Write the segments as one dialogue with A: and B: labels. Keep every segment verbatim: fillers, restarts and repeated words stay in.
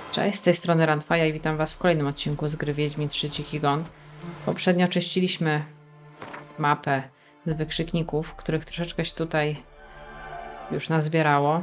A: Cześć, z tej strony Ranfaja i witam was w kolejnym odcinku z gry Wiedźmin trzy Dziki Gon. Poprzednio czyściliśmy mapę z wykrzykników, których troszeczkę się tutaj już nazbierało.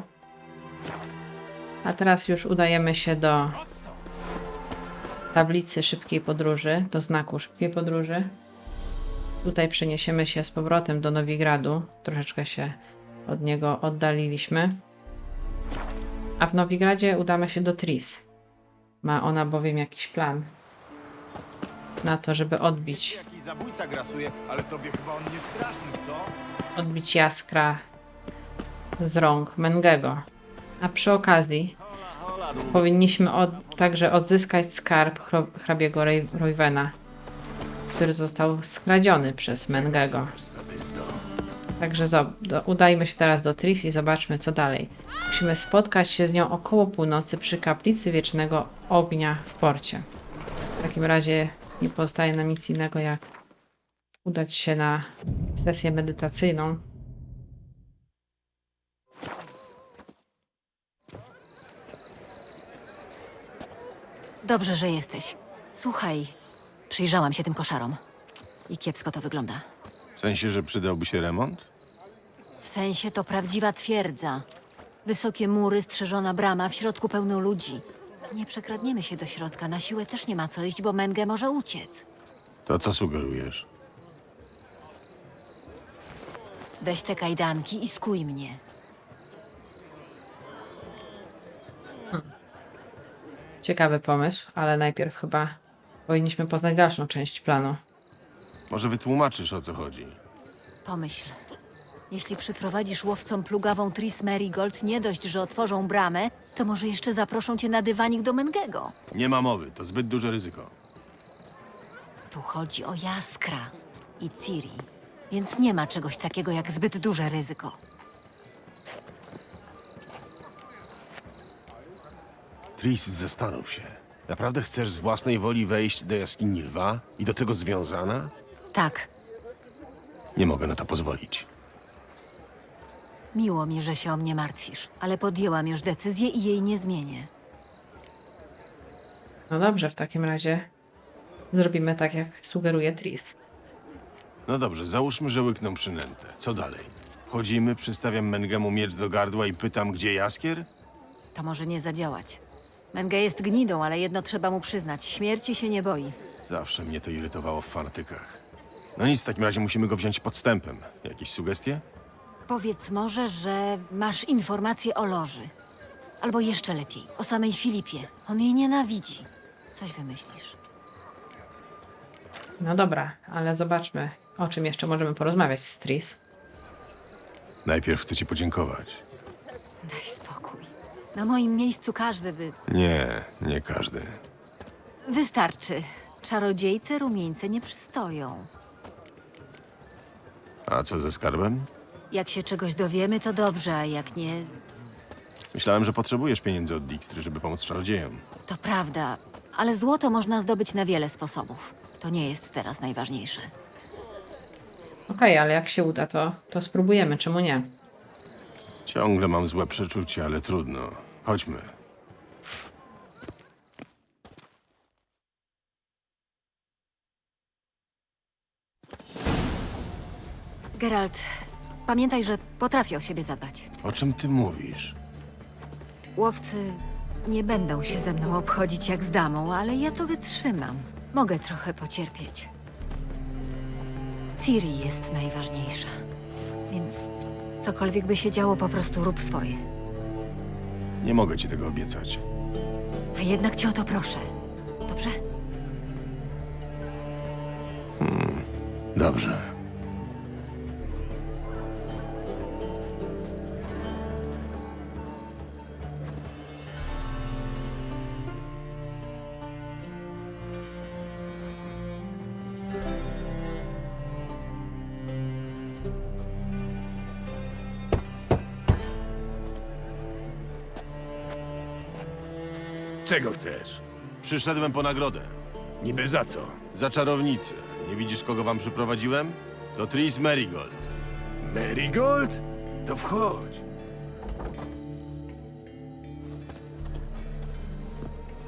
A: A teraz już udajemy się do tablicy szybkiej podróży, do znaku szybkiej podróży. Tutaj przeniesiemy się z powrotem do Nowigradu. Troszeczkę się od niego oddaliliśmy. A w Nowigradzie udamy się do Tris. Ma ona bowiem jakiś plan na to, żeby odbić,
B: Jakiś zabójca grasuje, ale tobie chyba on nie straszny, co?
A: odbić Jaskra z rąk Mengego. A przy okazji powinniśmy od, także odzyskać skarb chro- hrabiego Rej- Roywena, który został skradziony przez Mengego. Także zob- do, udajmy się teraz do Tris i zobaczmy, co dalej. Musimy spotkać się z nią około północy przy kaplicy Wiecznego Ognia w porcie. W takim razie nie pozostaje nam nic innego, jak udać się na sesję medytacyjną.
C: Dobrze, że jesteś. Słuchaj, przyjrzałam się tym koszarom. I kiepsko to wygląda.
B: W sensie, że przydałby się remont?
C: W sensie to prawdziwa twierdza. Wysokie mury, strzeżona brama, w środku pełno ludzi. Nie przekradniemy się do środka, na siłę też nie ma co iść, bo Menge może uciec.
B: To co sugerujesz?
C: Weź te kajdanki i skuj mnie.
A: Ciekawy pomysł, ale najpierw chyba powinniśmy poznać dalszą część planu.
B: Może wytłumaczysz, o co chodzi?
C: Pomyśl. Jeśli przyprowadzisz łowcom plugawą Tris Merigold, nie dość, że otworzą bramę, to może jeszcze zaproszą cię na dywanik do Mengego.
B: Nie ma mowy, to zbyt duże ryzyko.
C: Tu chodzi o Jaskra i Ciri, więc nie ma czegoś takiego jak zbyt duże ryzyko.
D: Tris, zastanów się. Naprawdę chcesz z własnej woli wejść do jaskini lwa i do tego związana?
C: Tak,
B: Nie mogę na to pozwolić.
C: miło mi, że się o mnie martwisz, ale podjęłam już decyzję i jej nie zmienię.
A: No dobrze, w takim razie zrobimy tak, jak sugeruje Tris.
B: No dobrze, załóżmy, że łykną przynętę. Co dalej? Wchodzimy, przystawiam Mengemu miecz do gardła i pytam, gdzie Jaskier?
C: To może nie zadziałać. Menge jest gnidą, ale jedno trzeba mu przyznać. Śmierci się nie boi.
B: Zawsze mnie to irytowało w fanatykach. No nic, w takim razie musimy go wziąć podstępem. Jakieś sugestie?
C: Powiedz może, że masz informacje o Loży. Albo jeszcze lepiej, o samej Filipie. On jej nienawidzi. Coś wymyślisz.
A: No dobra, ale zobaczmy, o czym jeszcze możemy porozmawiać z Tris.
B: Najpierw chcę ci podziękować.
C: Daj spokój. Na moim miejscu każdy by...
B: Nie, nie każdy.
C: Wystarczy. Czarodziejce rumieńce nie przystoją.
B: A co ze skarbem?
C: Jak się czegoś dowiemy, to dobrze, a jak nie,
B: Myślałem, że potrzebujesz pieniędzy od Dijkstry, żeby pomóc czarodziejom.
C: to prawda. Ale złoto można zdobyć na wiele sposobów. To nie jest teraz najważniejsze.
A: Okej, ale jak się uda, to, to spróbujemy, czemu nie?
B: Ciągle mam złe przeczucie, ale trudno. Chodźmy.
C: Geralt, pamiętaj, że potrafię o siebie zadbać.
B: O czym ty mówisz?
C: Łowcy nie będą się ze mną obchodzić jak z damą, ale ja to wytrzymam. Mogę trochę pocierpieć. Ciri jest najważniejsza. Więc cokolwiek by się działo, po prostu rób swoje.
B: Nie mogę ci tego obiecać.
C: A jednak cię o to proszę. Dobrze?
B: Dobrze.
D: Czego chcesz?
B: Przyszedłem po nagrodę.
D: Niby za co?
B: Za czarownicę. Nie widzisz, kogo wam przyprowadziłem? To Tris Merigold.
D: Marigold? To wchodź.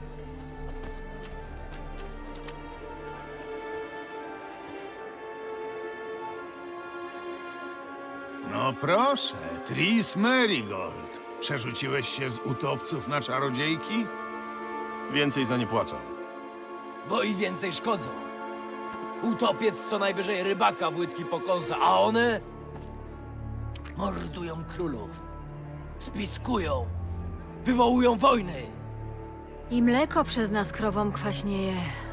E: proszę, Tris Merigold. Przerzuciłeś się z utopców na czarodziejki?
B: Więcej za nie płacą.
F: Bo i więcej szkodzą. Utopiec co najwyżej rybaka w łydki pokąsa, a one mordują królów, spiskują, wywołują wojny.
C: I mleko przez nas krowom kwaśnieje.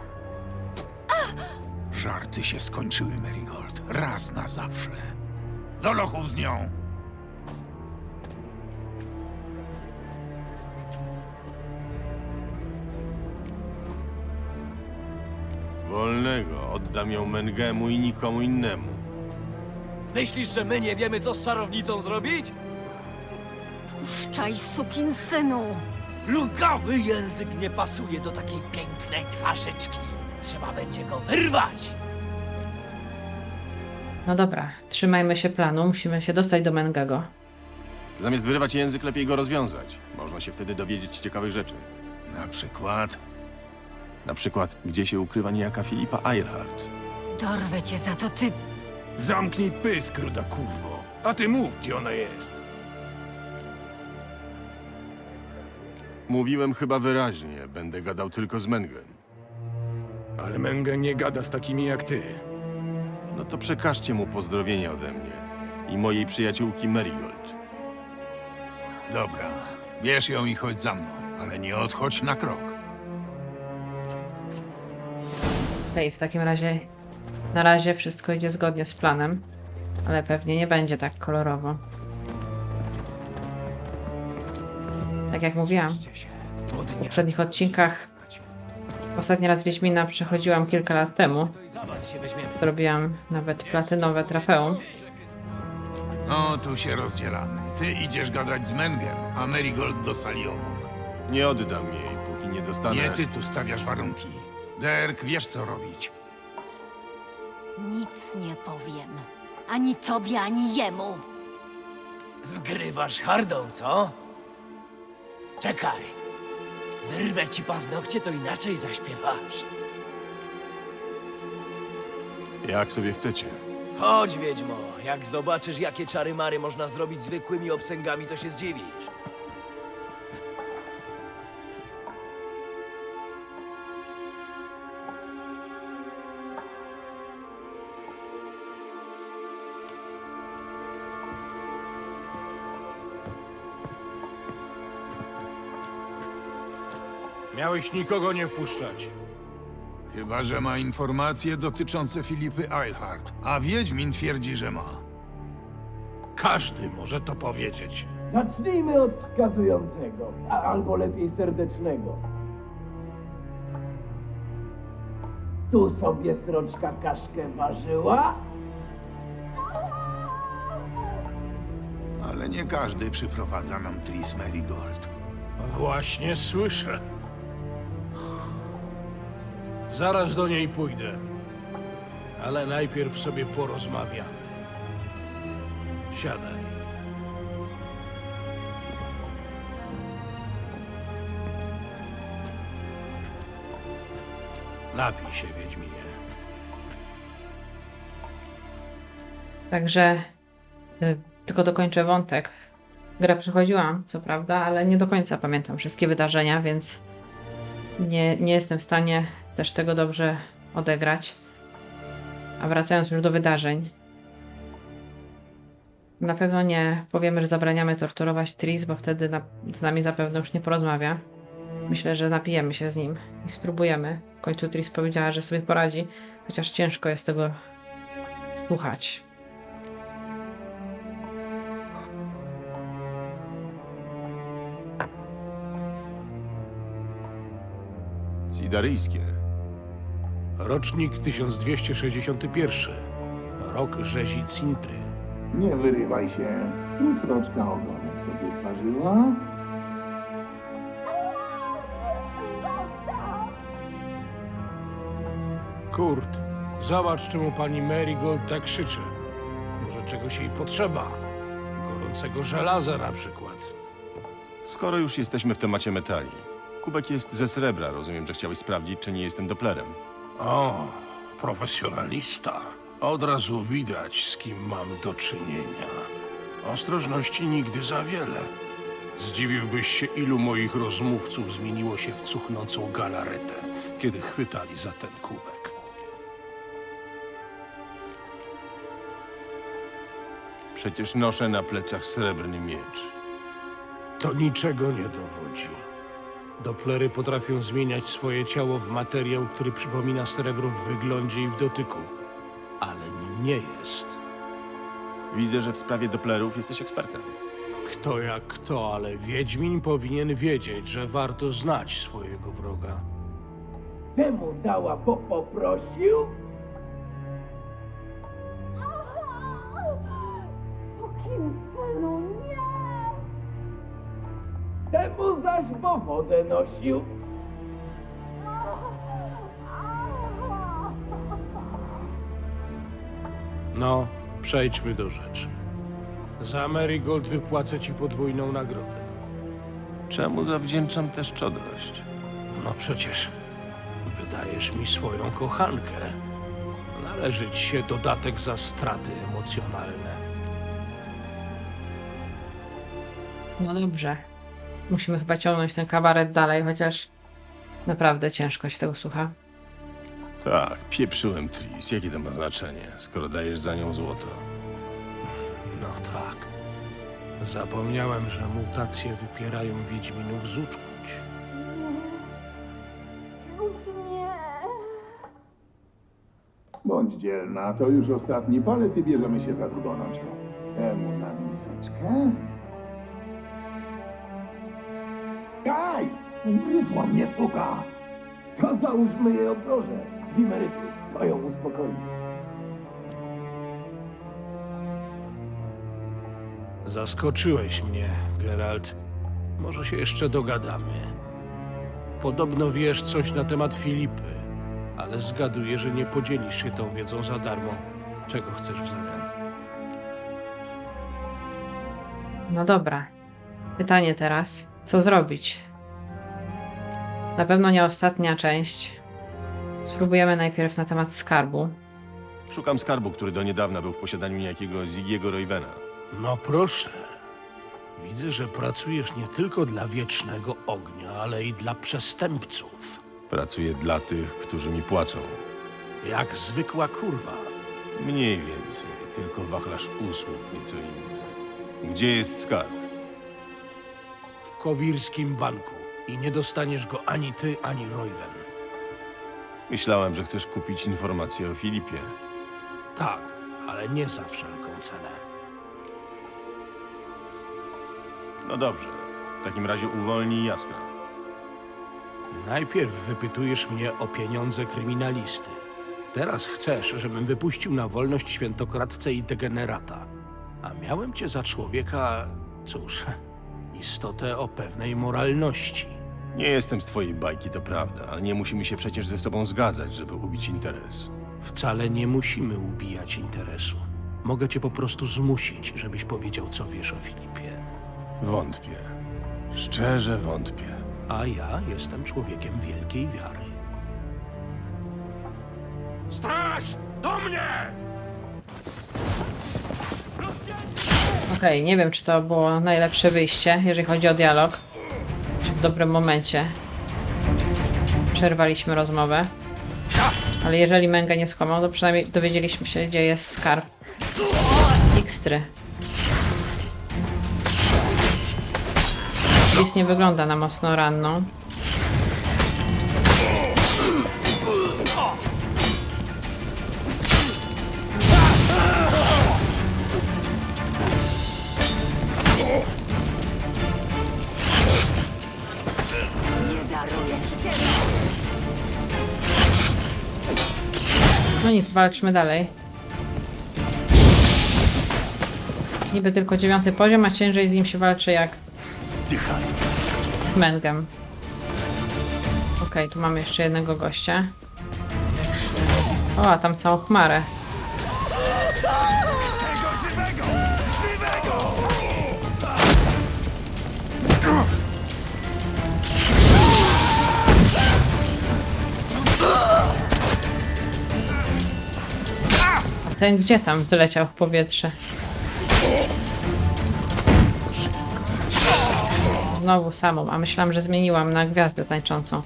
E: Żarty się skończyły, Merigold. Raz na zawsze. Do lochów z nią.
B: Wolnego. Oddam ją Mengemu i nikomu innemu.
F: Myślisz, że my nie wiemy, co z czarownicą zrobić?
C: Puszczaj, sukinsynu!
F: Plugawy język nie pasuje do takiej pięknej twarzyczki. Trzeba będzie go wyrwać.
A: No dobra, trzymajmy się planu, musimy się dostać do Mengego.
B: Zamiast wyrywać język, lepiej go rozwiązać. Można się wtedy dowiedzieć ciekawych rzeczy.
E: Na przykład...
B: Na przykład, gdzie się ukrywa niejaka Filipa Eilhart.
C: Dorwę cię za to, ty...
E: Zamknij pysk, ruda kurwo. A ty mów, gdzie ona jest.
B: Mówiłem chyba wyraźnie, będę gadał tylko z Mengem.
E: Ale Menge nie gada z takimi jak ty.
B: No to przekażcie mu pozdrowienia ode mnie i mojej przyjaciółki Merigold.
E: Dobra, bierz ją i chodź za mną, ale nie odchodź na krok.
A: Okej, w takim razie na razie wszystko idzie zgodnie z planem, ale pewnie nie będzie tak kolorowo. Tak jak mówiłam, w poprzednich odcinkach, ostatni raz Wiedźmina przechodziłam kilka lat temu. Zrobiłam nawet platynowe trofeum.
E: No, tu się rozdzielamy. Ty idziesz gadać z Mengem, a Merigold do sali obok.
B: Nie oddam jej, póki nie dostanę...
E: Nie ty tu stawiasz warunki. Derek, wiesz co robić.
C: Nic nie powiem. Ani tobie, ani jemu.
F: Zgrywasz hardą, co? Czekaj. Wyrwę ci paznokcie, to inaczej zaśpiewasz.
B: Jak sobie chcecie.
F: Chodź, Wiedźmo. Jak zobaczysz, jakie czary-mary można zrobić zwykłymi obcęgami, to się zdziwisz.
G: Miałeś nikogo nie wpuszczać.
E: Chyba że ma informacje dotyczące Filipy Eilhart, a Wiedźmin twierdzi, że ma.
G: Każdy może to powiedzieć.
H: Zacznijmy od wskazującego, a albo lepiej serdecznego. Tu sobie sroczka kaszkę ważyła,
E: Ale nie każdy przyprowadza nam Tris Merigold.
G: Właśnie słyszę. Zaraz do niej pójdę. Ale najpierw sobie porozmawiamy. Siadaj. Napij się, Wiedźminie.
A: Także y, tylko dokończę wątek. Grę przechodziłam, co prawda, ale nie do końca pamiętam wszystkie wydarzenia, więc nie, nie jestem w stanie też tego dobrze odegrać. A wracając już do wydarzeń. Na pewno nie powiemy, że zabraniamy torturować Tris, bo wtedy na, z nami zapewne już nie porozmawia. Myślę, że napijemy się z nim i spróbujemy. W końcu Tris powiedziała, że sobie poradzi, chociaż ciężko jest tego słuchać.
B: Cidaryjskie.
G: Rocznik tysiąc dwieście sześćdziesiąty pierwszy. Rok rzezi Cintry.
H: nie wyrywaj się. Tu sroczka ogonek sobie sparzyła.
G: Kurt, zobacz, czemu pani Merigold tak krzyczy. Może czegoś jej potrzeba. Gorącego żelaza na przykład.
B: Skoro już jesteśmy w temacie metali. Kubek jest ze srebra. Rozumiem, że chciałeś sprawdzić, czy nie jestem doplerem.
G: O, profesjonalista. Od razu widać, z kim mam do czynienia. Ostrożności nigdy za wiele. Zdziwiłbyś się, ilu moich rozmówców zmieniło się w cuchnącą galaretę, kiedy chwytali za ten kubek.
B: Przecież noszę na plecach srebrny miecz.
G: To niczego nie dowodzi. Doplery potrafią zmieniać swoje ciało w materiał, który przypomina srebro w wyglądzie i w dotyku, ale nim nie jest.
B: Widzę, że w sprawie Dopplerów jesteś ekspertem.
G: Kto jak kto, ale Wiedźmin powinien wiedzieć, że warto znać swojego wroga.
H: Temu dała, bo poprosił?
I: Sukinsynu, nie!
H: Temu zaś bo wodę nosił.
G: No, przejdźmy do rzeczy. Za Marigold wypłacę ci podwójną nagrodę.
B: Czemu zawdzięczam tę szczodrość?
G: No przecież wydajesz mi swoją kochankę. Należy ci się dodatek za straty emocjonalne.
A: No dobrze. Musimy chyba ciągnąć ten kabaret dalej, chociaż naprawdę ciężko się tego słucha.
B: Tak, pieprzyłem Tris. Jakie to ma znaczenie, skoro dajesz za nią złoto?
G: No tak. Zapomniałem, że mutacje wypierają Wiedźminów z uczuć.
I: Już nie!
H: Bądź dzielna, to już ostatni palec i bierzemy się za drugą noczkę. Temu na miseczkę. Kaj! Ugryzła mnie suka! To załóżmy jej obroże z dwimerytu. To ją uspokoi.
G: Zaskoczyłeś mnie, Geralt. Może się jeszcze dogadamy. Podobno wiesz coś na temat Filipy, ale zgaduję, że nie podzielisz się tą wiedzą za darmo. Czego chcesz w zamian?
A: No dobra. Pytanie teraz. Co zrobić? Na pewno nie ostatnia część. Spróbujemy najpierw na temat skarbu.
B: Szukam skarbu, który do niedawna był w posiadaniu niejakiego Ziggy'ego Roywena.
G: No proszę. Widzę, że pracujesz nie tylko dla Wiecznego Ognia, ale i dla przestępców.
B: Pracuję dla tych, którzy mi płacą.
G: Jak zwykła kurwa.
B: Mniej więcej, tylko wachlarz usług nieco inny. Gdzie jest skarb?
G: W Kowirskim Banku. I nie dostaniesz go ani ty, ani Royven.
B: Myślałem, że chcesz kupić informacje o Filipie.
G: Tak, ale nie za wszelką cenę.
B: No dobrze, w takim razie uwolnij Jaskra.
G: Najpierw wypytujesz mnie o pieniądze kryminalisty. Teraz chcesz, żebym wypuścił na wolność świętokradcę i degenerata. A miałem cię za człowieka, cóż, istotę o pewnej moralności.
B: Nie jestem z twojej bajki, to prawda, ale nie musimy się przecież ze sobą zgadzać, żeby ubić interes.
G: Wcale nie musimy ubijać interesu. Mogę cię po prostu zmusić, żebyś powiedział, co wiesz o Filipie.
B: Wątpię. Szczerze wątpię.
G: A ja jestem człowiekiem wielkiej wiary. Straż! Do mnie!
A: Okej, nie wiem, czy to było najlepsze wyjście, jeżeli chodzi o dialog. Czy w dobrym momencie przerwaliśmy rozmowę. Ale jeżeli Menge nie skłamał, to przynajmniej dowiedzieliśmy się, gdzie jest skarb Ikstry. Tris nie wygląda na mocno ranną. No nic, walczmy dalej. Niby tylko dziewiąty poziom, a ciężej z nim się walczy jak z Mengem. Okej, tu mamy jeszcze jednego gościa. O, a tam całą chmarę. A ten gdzie tam zleciał w powietrze? znowu samą, a myślałam, że zmieniłam na gwiazdę tańczącą.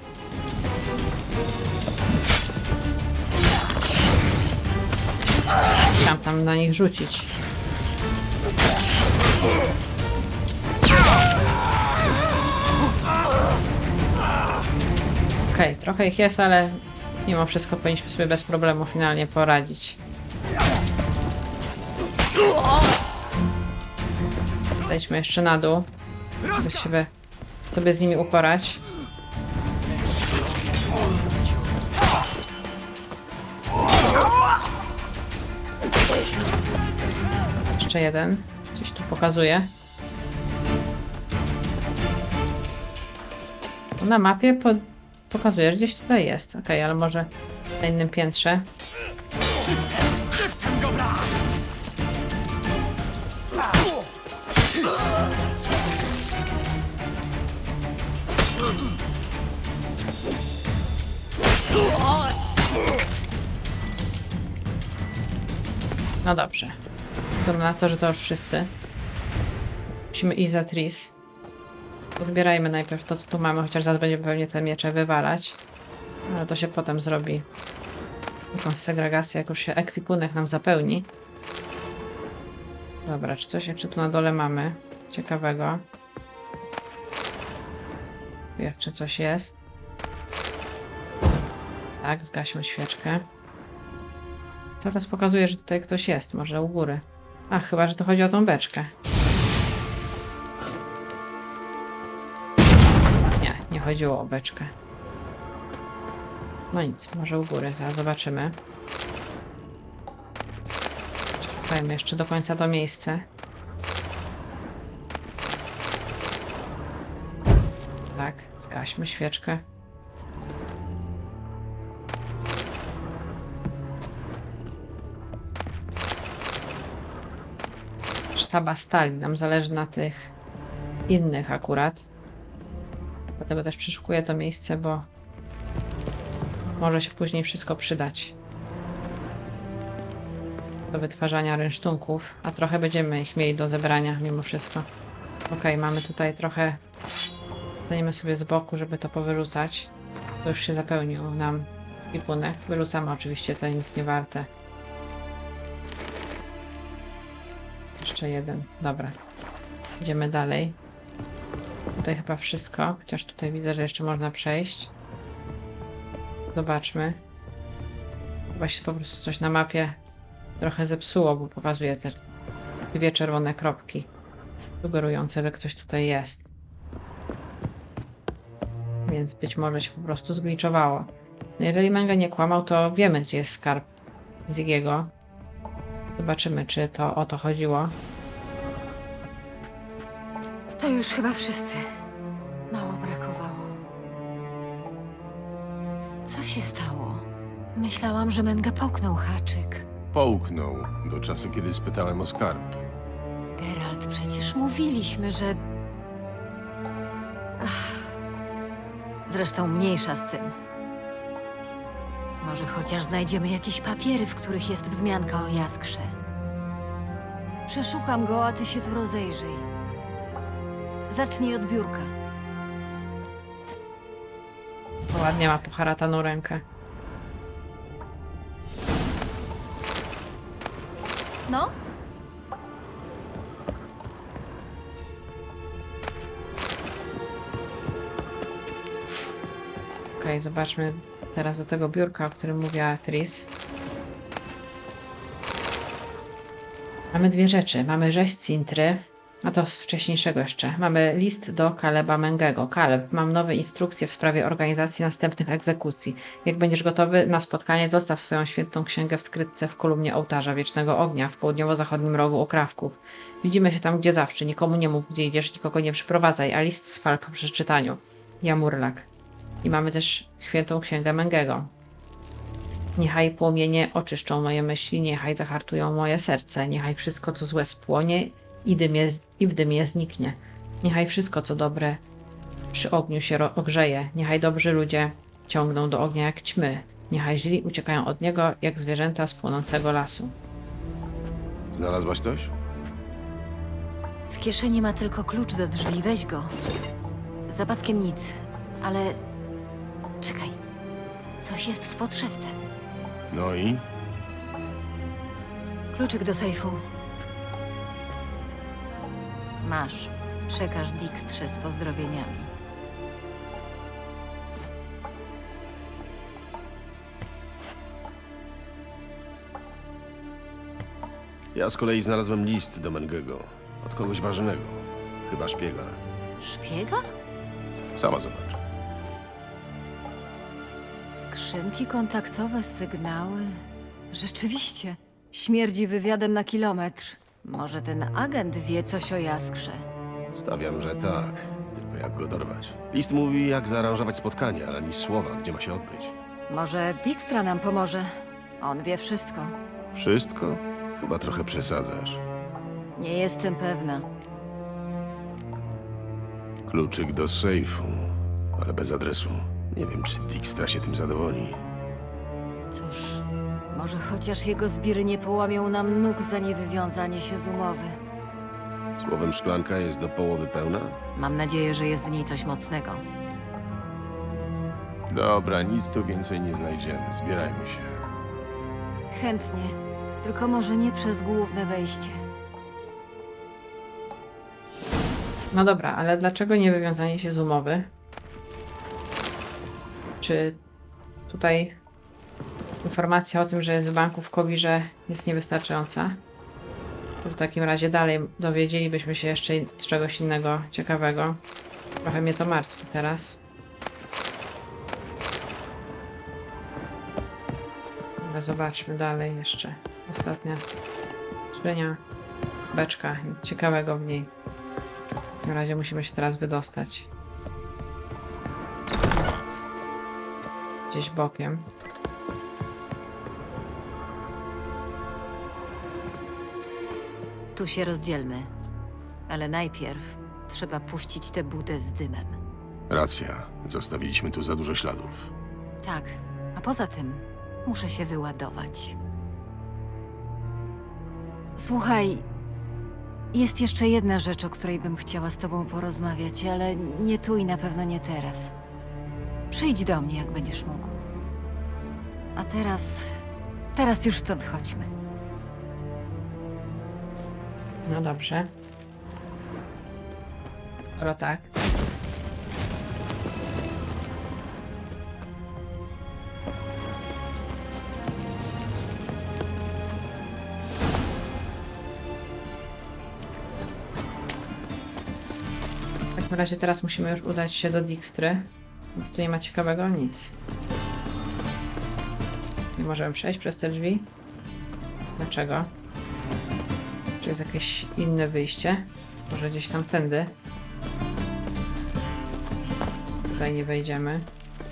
A: Chciałam tam na nich rzucić. Okej, okay, trochę ich jest, ale mimo wszystko powinniśmy sobie bez problemu finalnie poradzić. Zejdźmy jeszcze na dół, żeby się sobie z nimi uporać. Jeszcze jeden. Gdzieś tu pokazuje. Na mapie po pokazuje, że gdzieś tutaj jest. Ok, ale może na innym piętrze. No dobrze. Wygląda na to, że to już wszyscy. Musimy iść za Tris. Zbierajmy najpierw to, co tu mamy, chociaż zaraz będziemy pewnie te miecze wywalać. Ale to się potem zrobi. Jakąś segregację, jak już się ekwipunek nam zapełni. Dobra, czy coś jeszcze tu na dole mamy ciekawego? Jeszcze coś jest. Tak, zgaśmy świeczkę. Cały czas pokazuje, że tutaj ktoś jest, może u góry. A, chyba, że to chodzi o tą beczkę. Nie, nie chodziło o beczkę. No nic, może u góry, zaraz zobaczymy. Czekajmy jeszcze do końca to miejsce. Tak, zgaśmy świeczkę. Sztaba stali, nam zależy na tych innych akurat. Dlatego też przeszukuję to miejsce, bo może się później wszystko przydać do wytwarzania rynsztunków, a trochę będziemy ich mieli do zebrania mimo wszystko. Ok, mamy tutaj trochę, staniemy sobie z boku, żeby to powyrzucać. To już się zapełnił nam ekwipunek. Wyrzucamy oczywiście te nic nie warte. Jeszcze jeden, dobra. Idziemy dalej. Tutaj chyba wszystko, chociaż tutaj widzę, że jeszcze można przejść. Zobaczmy. Chyba się po prostu coś na mapie trochę zepsuło, bo pokazuje te dwie czerwone kropki sugerujące, że ktoś tutaj jest. Więc być może się po prostu zgliczowało. No jeżeli Menge nie kłamał, to wiemy, gdzie jest skarb Ziggiego. Zobaczymy, czy to o to chodziło.
C: To już chyba wszyscy. Mało brakowało. Co się stało? Myślałam, że Menge połknął haczyk.
B: Połknął do czasu, kiedy spytałem o skarb.
C: Geralt, przecież mówiliśmy, że... Ach. Zresztą mniejsza z tym. Może chociaż znajdziemy jakieś papiery, w których jest wzmianka o Jaskrze. Przeszukam go, a ty się tu rozejrzyj. Zacznij od biurka.
A: Ładnie ma poharataną rękę.
C: No?
A: Okej, okay, zobaczmy teraz do tego biurka, o którym mówiła Tris. Mamy dwie rzeczy. Mamy rzeź Cintry, a to z wcześniejszego jeszcze. Mamy list do Kaleba Mengego. Kaleb, mam nowe instrukcje w sprawie organizacji następnych egzekucji. Jak będziesz gotowy na spotkanie, zostaw swoją świętą księgę w skrytce w kolumnie ołtarza Wiecznego Ognia w południowo-zachodnim rogu Okrawków. Widzimy się tam, gdzie zawsze. Nikomu nie mów, gdzie idziesz, nikogo nie przyprowadzaj, a list spal po przeczytaniu. Jamurlak. I mamy też świętą księgę Mengego. Niechaj płomienie oczyszczą moje myśli, niechaj zahartują moje serce, niechaj wszystko, co złe spłonie i, dymie, i w dymie zniknie. Niechaj wszystko, co dobre przy ogniu się ogrzeje, niechaj dobrzy ludzie ciągną do ognia jak ćmy, niechaj źli uciekają od niego jak zwierzęta z płonącego lasu.
D: Znalazłaś coś?
C: W kieszeni ma tylko klucz do drzwi, weź go. Za paskiem nic, ale... Czekaj. Coś jest w podszewce.
D: No i?
C: Kluczyk do sejfu. Masz. Przekaż Dijkstrze z pozdrowieniami.
D: Ja z kolei znalazłem list do Mengego. Od kogoś ważnego. Chyba szpiega.
C: Szpiega?
D: Sama zobacz.
C: Skrzynki kontaktowe, sygnały. Rzeczywiście. Śmierdzi wywiadem na kilometr. Może ten agent wie coś o Jaskrze.
D: Stawiam, że tak. Tylko jak go dorwać? List mówi, jak zaaranżować spotkanie, ale ani słowa, gdzie ma się odbyć.
C: Może Dijkstra nam pomoże. On wie wszystko.
D: Wszystko? Chyba trochę przesadzasz.
C: Nie jestem pewna.
D: Kluczyk do sejfu, ale bez adresu. Nie wiem, czy Dijkstra się tym zadowoli.
C: Cóż, może chociaż jego zbiry nie połamią nam nóg za niewywiązanie się z umowy.
D: Słowem, szklanka jest do połowy pełna?
C: Mam nadzieję, że jest w niej coś mocnego.
B: Dobra, nic tu więcej nie znajdziemy. Zbierajmy się.
C: Chętnie. Tylko może nie przez główne wejście.
A: No dobra, ale dlaczego nie wywiązanie się z umowy? Czy tutaj informacja o tym, że jest w banku w Kowirze jest niewystarczająca? Czy w takim razie dalej dowiedzielibyśmy się jeszcze z czegoś innego ciekawego? Trochę mnie to martwi teraz. Ale zobaczmy dalej jeszcze. Ostatnia skrzynia, beczka, nic ciekawego w niej. W takim razie musimy się teraz wydostać. Gdzieś bokiem.
C: Tu się rozdzielmy. Ale najpierw trzeba puścić tę budę z dymem.
D: Racja. Zostawiliśmy tu za dużo śladów.
C: Tak, a poza tym muszę się wyładować. Słuchaj, jest jeszcze jedna rzecz, o której bym chciała z tobą porozmawiać, ale nie tu i na pewno nie teraz. Przyjdź do mnie, jak będziesz mógł. A teraz... teraz już stąd chodźmy.
A: No dobrze. Skoro tak. W takim razie teraz musimy już udać się do Dijkstry. Nic tu nie ma ciekawego, nic. Nie możemy przejść przez te drzwi. Dlaczego? Czy jest jakieś inne wyjście? Może gdzieś tam tędy? Tutaj nie wejdziemy.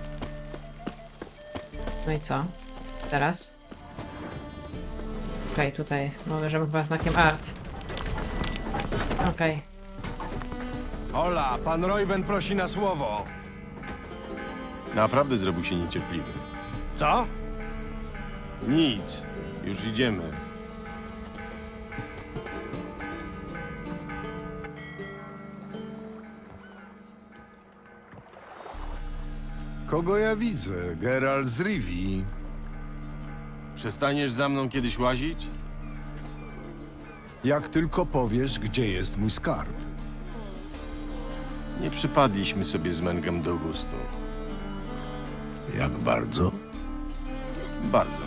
A: No i co? Teraz? Okej, okay, tutaj możemy chyba znakiem art. Okej. Okay.
B: Hola, pan Royven prosi na słowo. Naprawdę zrobił się niecierpliwy.
H: Co?
B: Nic. Już idziemy.
J: Kogo ja widzę? Geralt z Rivii.
B: Przestaniesz za mną kiedyś łazić?
J: Jak tylko powiesz, gdzie jest mój skarb.
B: Nie przypadliśmy sobie z Mengem do gustu.
J: Jak bardzo?
B: Bardzo.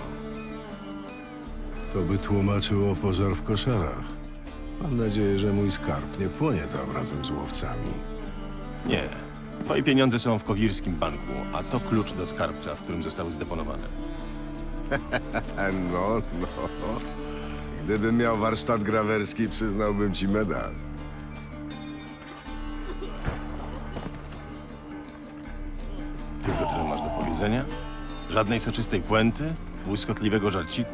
J: To by tłumaczyło pożar w koszarach. Mam nadzieję, że mój skarb nie płonie tam razem z łowcami.
B: Nie. Twoje pieniądze są w Kowirskim Banku, a to klucz do skarbca, w którym zostały zdeponowane.
J: No, no. Gdybym miał warsztat grawerski, przyznałbym ci medal.
B: Tylko tyle masz do powiedzenia? Żadnej soczystej puenty? Błyskotliwego żarciku?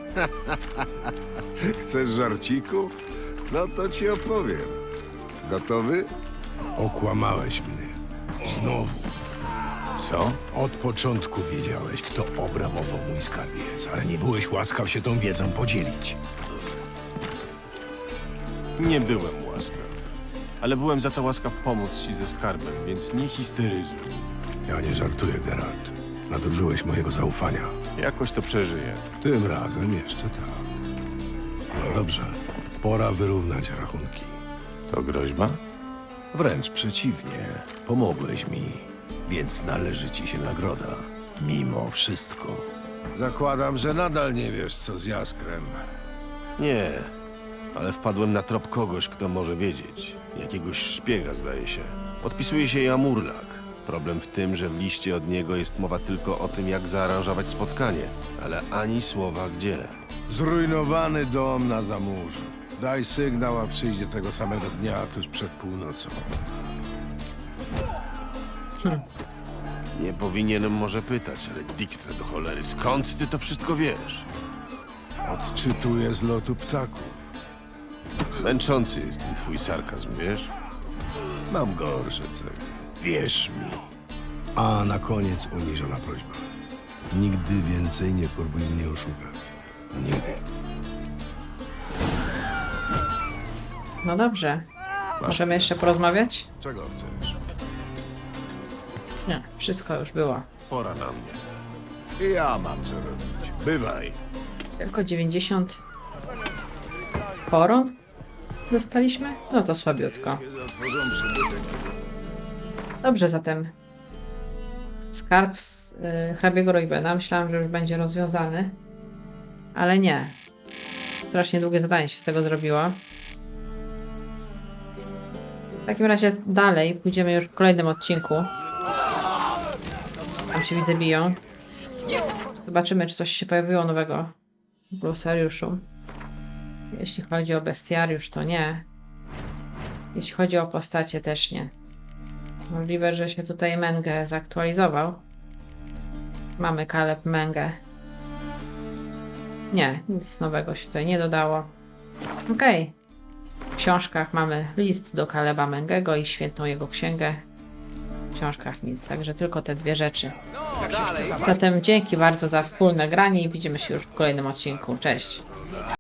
J: Chcesz żarciku? No to ci opowiem. Gotowy? Okłamałeś mnie. Znowu.
B: Co?
K: Od początku wiedziałeś, kto obrabował mój skarbiec, ale nie byłeś łaskaw się tą wiedzą podzielić.
B: Nie byłem łaskaw. ale byłem za to łaskaw pomóc ci ze skarbem, więc nie histeryzuj.
K: Ja nie żartuję, Geralt. Nadużyłeś mojego zaufania.
B: Jakoś to przeżyję.
K: Tym razem jeszcze tak. No dobrze, pora wyrównać rachunki.
B: To groźba?
K: Wręcz przeciwnie, pomogłeś mi, więc należy ci się nagroda. Mimo wszystko. Zakładam, że nadal nie wiesz, co z Jaskrem.
B: Nie, ale wpadłem na trop kogoś, kto może wiedzieć. Jakiegoś szpiega, zdaje się. Podpisuje się Jamurlak. Problem w tym, że w liście od niego jest mowa tylko o tym, jak zaaranżować spotkanie, ale ani słowa gdzie.
K: Zrujnowany dom na Zamurzu. Daj sygnał, a przyjdzie tego samego dnia, tuż przed północą.
B: Nie powinienem może pytać, ale Dijkstra do cholery, skąd ty to wszystko wiesz?
K: Odczytuję z lotu ptaków.
B: Męczący jest ten twój sarkazm, wiesz?
K: Mam gorsze cechy. Wierz mi. A na koniec uniżona prośba. Nigdy więcej nie próbuj mnie oszukać. Nigdy.
A: No dobrze. Możemy jeszcze porozmawiać?
K: Czego chcesz?
A: Nie, wszystko już było.
B: Pora na mnie.
K: I ja mam co robić. Bywaj.
A: Tylko dziewięćdziesiąt koron dostaliśmy? No to słabiutko. Dobrze, zatem skarb z y, hrabiego Roywena. Myślałam, że już będzie rozwiązany, ale nie. Strasznie długie zadanie się z tego zrobiło. W takim razie dalej pójdziemy już w kolejnym odcinku. Tam się widzę biją. Zobaczymy, czy coś się pojawiło nowego w glosariuszu. Jeśli chodzi o bestiariusz, to nie. Jeśli chodzi o postacie, też nie. Możliwe, że się tutaj Menge zaktualizował. Mamy Caleb Menge. Nie, nic nowego się tutaj nie dodało. Okej. Okay. W książkach mamy list do Caleba Mengego i świętą jego księgę. W książkach nic, także tylko te dwie rzeczy. Zatem dzięki bardzo za wspólne granie i widzimy się już w kolejnym odcinku. Cześć!